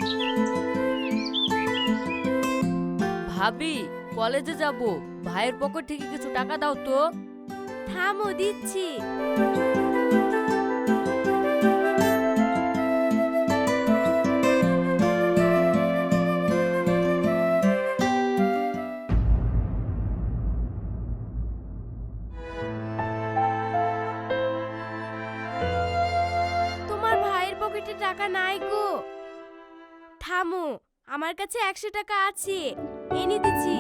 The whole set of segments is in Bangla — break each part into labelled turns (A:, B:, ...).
A: ভাবি কলেজে যাব, ভাইয়ের পকেট থেকে কিছু টাকা দাও তো।
B: থামো, দিচ্ছি। তোমার ভাইয়ের পকেটে টাকা নাই গো। থামো, আমার কাছে 100 টাকা আছে, এনে দিচ্ছি।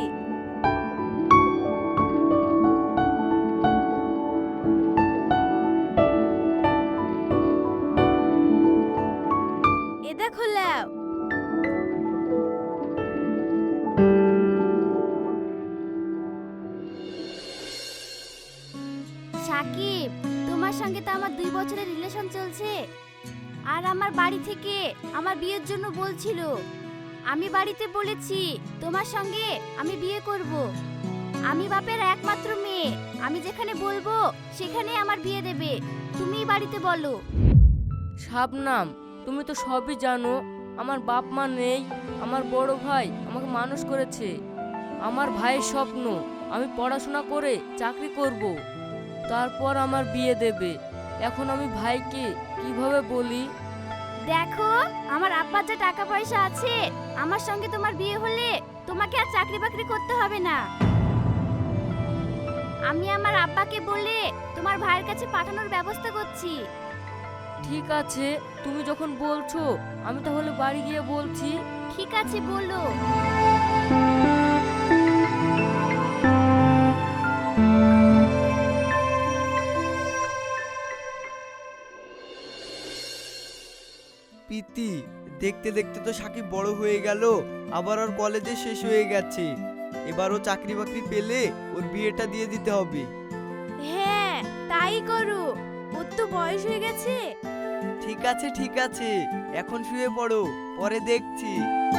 B: এ দেখো লাও।
C: সাকিব, তোমার সঙ্গে তো আমার 2 বছরের রিলেশন চলছে, আর আমার বাড়ি থেকে আমার বিয়ের জন্য বলছিল। আমি বাড়িতে বলেছি তোমার সঙ্গে আমি বিয়ে করব। আমি বাপের একমাত্র মেয়ে, আমি যেখানে বলবো সেখানে আমার বিয়ে দেবে। তুমিই বাড়িতে বলো।
A: শাবনাম, তুমি তো সবই জানো। আমার বাপ মা নেই, আমার বড় ভাই আমাকে মানুষ করেছে। আমার ভাইয়ের স্বপ্ন আমি পড়াশোনা করে চাকরি করব, তারপর আমার বিয়ে দেবে। এখন আমি ভাইকে কিভাবে বলি?
C: দেখো, আমার আব্বার যে টাকা পয়সা আছে, আমার সঙ্গে তোমার বিয়ে হলে তোমাকে আর চাকরি বাকরি করতে হবে না। আমি আমার আব্বাকে বলে তোমার ভাইয়ের কাছে পাঠানোর ব্যবস্থা করছি।
A: ঠিক আছে, তুমি যখন বলছো আমি তাহলে বাড়ি গিয়ে বলছি।
C: ঠিক আছে, বলো।
D: প্রীতি, দেখতে দেখতে তো সাকিব বড় হয়ে গেল, আবার ওর কলেজে শেষ হয়ে গেছে। এবার ও চাকরি বাকরি পেলে ওর বিয়েটা দিয়ে দিতে হবে।
B: হ্যাঁ, তাই করো, ওর তো বয়স হয়ে গেছে।
D: ঠিক আছে ঠিক আছে, এখন শুয়ে পড়ো, পরে দেখছি।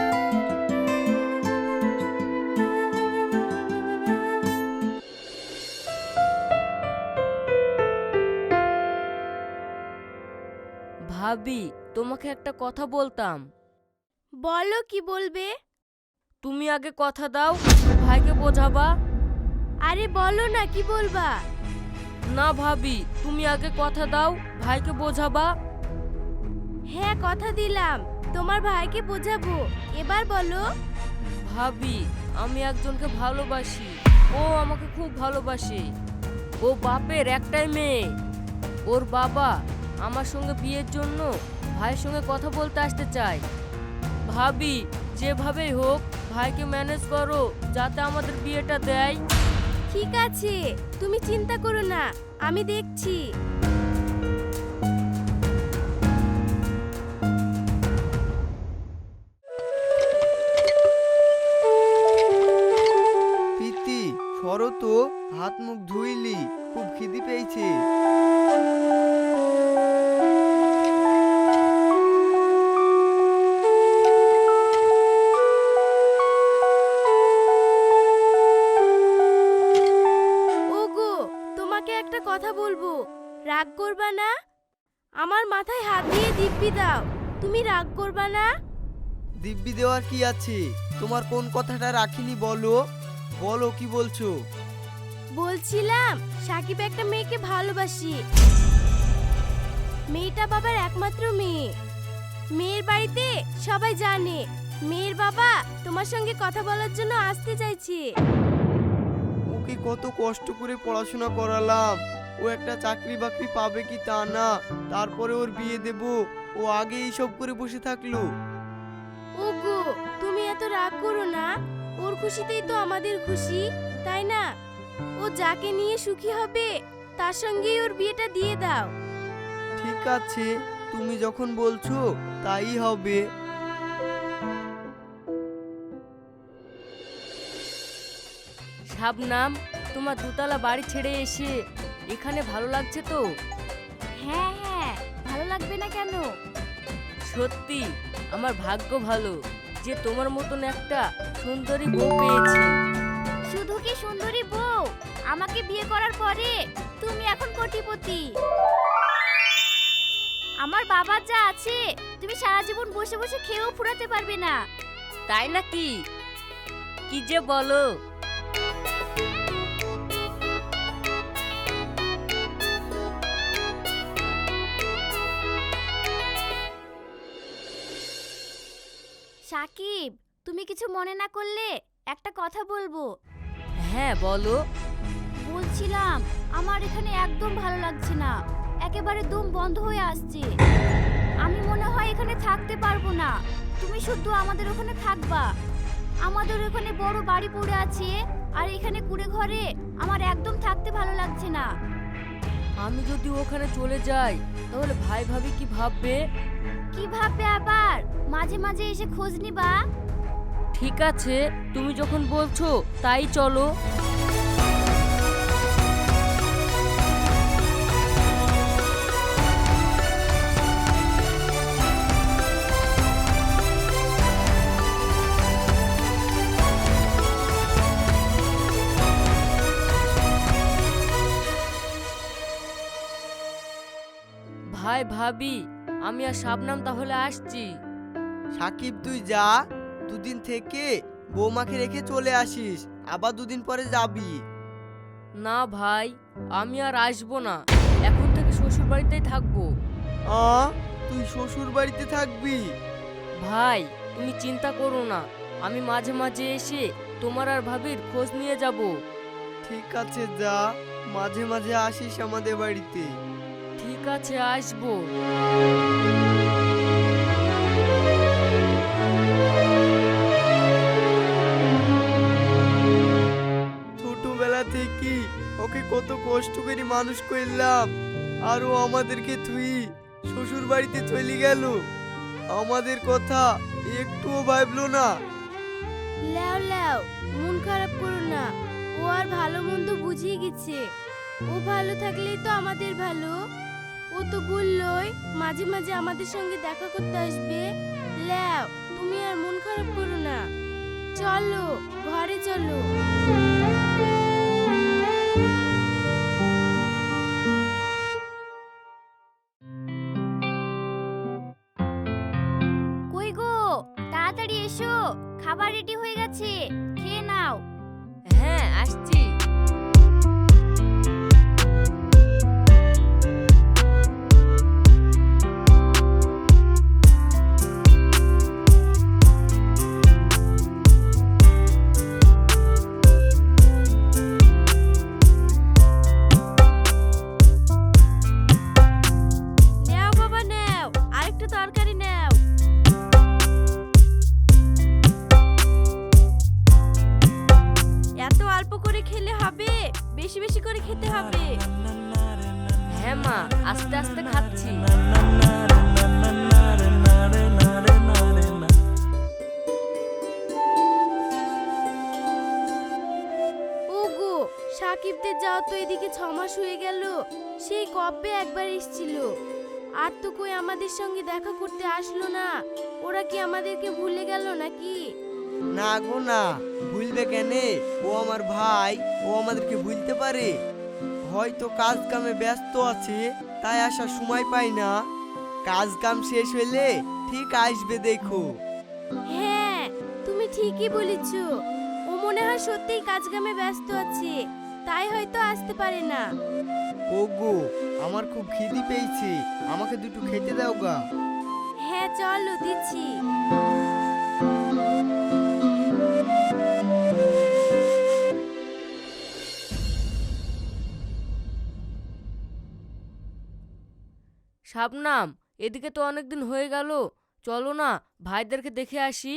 A: ভাবি, তোমাকে একটা কথা বলতাম।
B: বলো, কি বলবে?
A: তুমি আগে কথা দাও, ভাইকে বোঝাবা।
B: আরে বলো না, কি বলবা?
A: না ভাবি, তুমি আগে কথা দাও, ভাইকে বোঝাবা।
B: হ্যাঁ, কথা দিলাম, তোমার ভাইকে বোঝাবো। এবার বলো।
A: ভাবি, আমি একজনকে ভালোবাসি, ও আমাকে খুব ভালোবাসে। ও বাপের একটাই মেয়ে। ওর বাবা আমার সঙ্গে বিয়ের জন্য ভাইয়ের সঙ্গে কথা বলতে আসতে চায়। ভাবি, যেভাবেই হোক ভাইকে ম্যানেজ করো যাতে আমাদের বিয়েটা দেয়।
B: ঠিক আছে, তুমি চিন্তা করো না, আমি দেখছি।
D: প্রীতি, সরো তো, হাত মুখ ধুইলি, খুব খিদে পেয়েছে।
B: ওগো, তোমাকে একটা কথা বলবো, রাগ করবা না? আমার মাথায় হাত দিয়ে দিব্যি দাও, তুমি রাগ করবা না?
D: দিব্যি দেওয়ার কি আছে? তোমার কোন কথাটা রাখিনি বলো, বলো কি বলছো?
B: বলছিলাম, সাকিব একটা মেয়েকে ভালোবাসি। মেয়েটা বাবার একমাত্র মেয়ে। মেয়ের বাড়িতে সবাই জানে। মেয়ের বাবা তোমার সঙ্গে কথা বলার জন্য আসতে চাইছে।
D: ওকে কত কষ্ট করে পড়াশোনা করালাম, ও একটা চাকরি বাকরি পাবে কি তা না, তারপরে ওর বিয়ে দেব, ও আগে এইসব করে বসে থাকলো।
B: ওগো, তুমি এত রাগ করো না, ওর খুশিতেই তো আমাদের খুশি, তাই না? ও যাকে নিয়ে সুখী হবে তার সঙ্গেই ওর বিয়েটা দিয়ে দাও।
D: ঠিক আছে, তুমি যখন বলছো তাই হবে।
A: শাবনাম, তোমার দুতলা বাড়ি ছেড়ে এসে এখানে ভালো লাগছে তো?
C: হ্যাঁ হ্যাঁ, ভালো লাগবে না কেন?
A: সত্যি আমার ভাগ্য ভালো যে তোমার মতন একটা সুন্দরী বউ পেয়েছি।
C: শুধু কি সুন্দরী বউ, আমাকে বিয়ে করার পরে তুমি এখন কোটিপতি। আমার বাবার যা আছে তুমি সারা জীবন বসে বসে খেয়েও ফুরাতে পারবে না।
A: তাই নাকি? কি যে বলো।
C: সাকিব, তুমি কিছু মনে না করলে একটা কথা বলবো।
A: হ্যাঁ বলো।
C: বলছিলাম আমার এখানে একদম ভালো লাগছে না, একেবারে দম বন্ধ হয়ে আসছে। আমি মনে হয় এখানে থাকতে পারবো না। তুমি শুধু আমাদের ওখানে থাকবা। আমাদের ওখানে বড় বাড়ি পড়ে আছে, আর এখানে কুড়ে ঘরে আমার একদম থাকতে ভালো লাগছে না।
A: আমি যদি ওখানে চলে যাই তাহলে ভাই ভাবি কি ভাববে?
C: কি ভাববে আবার? মাঝে মাঝে এসে খোঁজ নিবা।
A: ঠিক আছে, তুমি যখন বলছো তাই চলো। ভাই ভাবি, আমি আর শাবনাম তাহলে আসছি।
D: সাকিব তুই যা, দুদিন থেকে বৌমাকে রেখে চলে আসিস, আবার দুদিন পরে যাবি।
A: না ভাই, আমি আর আসবো না, এখন থেকে শ্বশুর বাড়িতেই থাকবো।
D: তুই শ্বশুর বাড়িতে থাকবি?
A: ভাই তুমি চিন্তা করো না, আমি মাঝে মাঝে এসে তোমার আর ভাবির খোঁজ নিয়ে যাব।
D: ঠিক আছে যা, মাঝে মাঝে আসিস আমাদের বাড়িতে।
A: ঠিক আছে, আসবো।
D: ছোটবেলা থেকে ওকে কত কষ্ট করে মানুষ করলাম, আর ও আমাদেরকে তুই শ্বশুর বাড়িতে চলে গেল, আমাদের কথা একটুও ভাবলো না।
B: লেও লেও, মন খারাপ করো না। ও আর ভালো মন্দ বুঝিয়ে গেছে। ও ভালো থাকলেই তো আমাদের ভালো। ও তো বললই মাঝে মাঝে আমাদের সঙ্গে দেখা করতে আসবে। লেও, তুমি আর মন খারাপ করো না। চলো ঘরে চলো।
C: কই গো, তাড়াতাড়ি এসো, খাবার রেডি হয়ে গেছে, খেয়ে নাও।
A: হ্যাঁ আসছি।
B: নেও বাবা নেও, আরেকটু তরকারি নেও। এত অল্প করে খেলে হবে, বেশি বেশি করে খেতে হবে।
A: হ্যাঁ মা, আস্তে আস্তে খাচ্ছি।
B: ওগো, সাকিবদের যাওয়া তো এদিকে 6 মাস হয়ে গেল। সেই কবে একবার এসেছিল, আর তো কই আমাদের সঙ্গে দেখা করতে আসলো না। ওরা কি আমাদেরকে ভুলে গেল নাকি?
D: না গো না, ভুলবে কেনে? ও আমার ভাই, ও আমাদেরকে ভুলতে পারে? হয়তো কাজ কামে ব্যস্ত আছে, তাই আসার সময় পাই না। কাজ কাম শেষ হলে ঠিক আসবে দেখো।
B: হ্যাঁ, তুমি ঠিকই বলেছ। ও মনে হয় সত্যিই কাজ কামে ব্যস্ত আছে, তাই হয়তো আসতে পারে না।
D: ওগো, আমার খুব খিদে পেয়েছে, আমাকে দুটো খেতে দাও গা।
B: হ্যাঁ চলো, দিচ্ছি।
A: শাবনাম, এদিকে তো অনেকদিন হয়ে গেল, চলো না ভাইদেরকে দেখে আসি।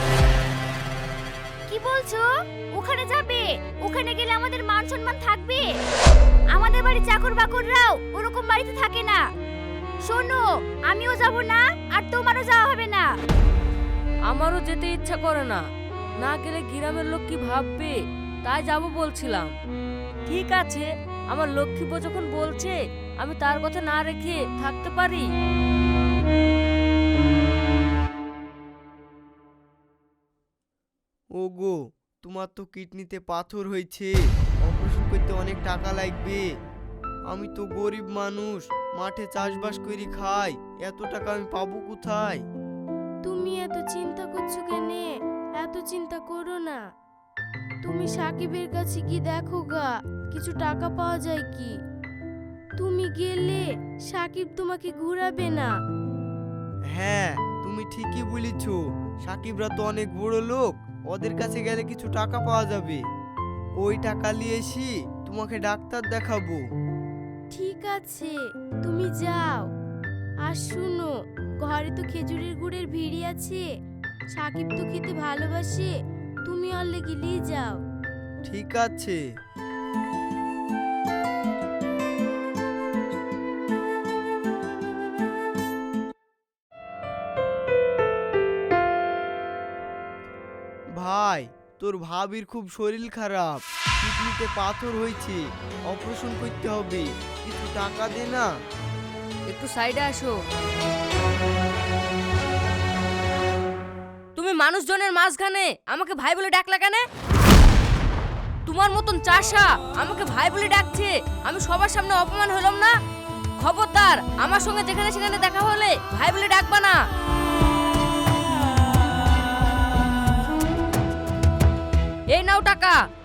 C: কি বলছো? ওখানে যাবে? ওখানে গেলে আমাদের মান সম্মান থাকবে? আমাদের বাড়ি চাকর বাকররাও ওরকম বাড়িতে থাকে না। শোনো, আমিও যাব না, আর তোমারও যাওয়া হবে না।
A: আমারও যেতে ইচ্ছা করে না, না গেলে গ্রামের লোক কি ভাববে, তাই যাব বলছিলাম। ঠিক আছে, আমার লক্ষ্মীপো যখন বলছে, আমি তার কথা না রেখে থাকতে পারি?
D: ওগো, তোমার তো কিডনিতে পাথর হয়েছে, অপারেশন করতে অনেক টাকা লাগবে। আমি তো গরিব মানুষ, মাঠে চাষবাস করে খাই, এত টাকা আমি পাবো কোথায়?
B: তুমি এত চিন্তা করছো কেনে? এত চিন্তা করো না। তুমি সাকিবের কাছে কি দেখো গা, কিছু টাকা পাওয়া যায় কি? তুমি গেলে সাকিব তোমাকে ঘুরাবে না।
D: হ্যাঁ, তুমি ঠিকই বলেছ। সাকিবরা তো অনেক বড় লোক, ওদের কাছে গেলে কিছু টাকা পাওয়া যাবে। ওই টাকা নিয়ে এসি তোমাকে ডাক্তার দেখাবো।
B: ঠিক আছে, তুমি যাও। আর শুনো, ঘরে তো খেজুরের গুড়ের ভিড়ি আছে, সাকিব তো খেতে ভালোবাসে, তুমি আর লেগে নিয়ে যাও।
D: ঠিক আছে। ভাই, তোর ভাবির খুব শরীর খারাপ, কিডনিতে পাথর হয়েছে, অপারেশন করতে হবে, কিছু টাকা দে না।
A: একটু সাইডে আসো। তুমি মানুষজনের মাঝখানে আমাকে ভাই বলে ডাকলা কেন? তোমার মতন চাষা আমাকে ভাই বলে ডাকছে, আমি সবার সামনে অপমান হলাম না? খবরদার, আমার সঙ্গে যেখানে সেখানে দেখা হলে ভাই বলে ডাকবা না। এই নাও টাকা।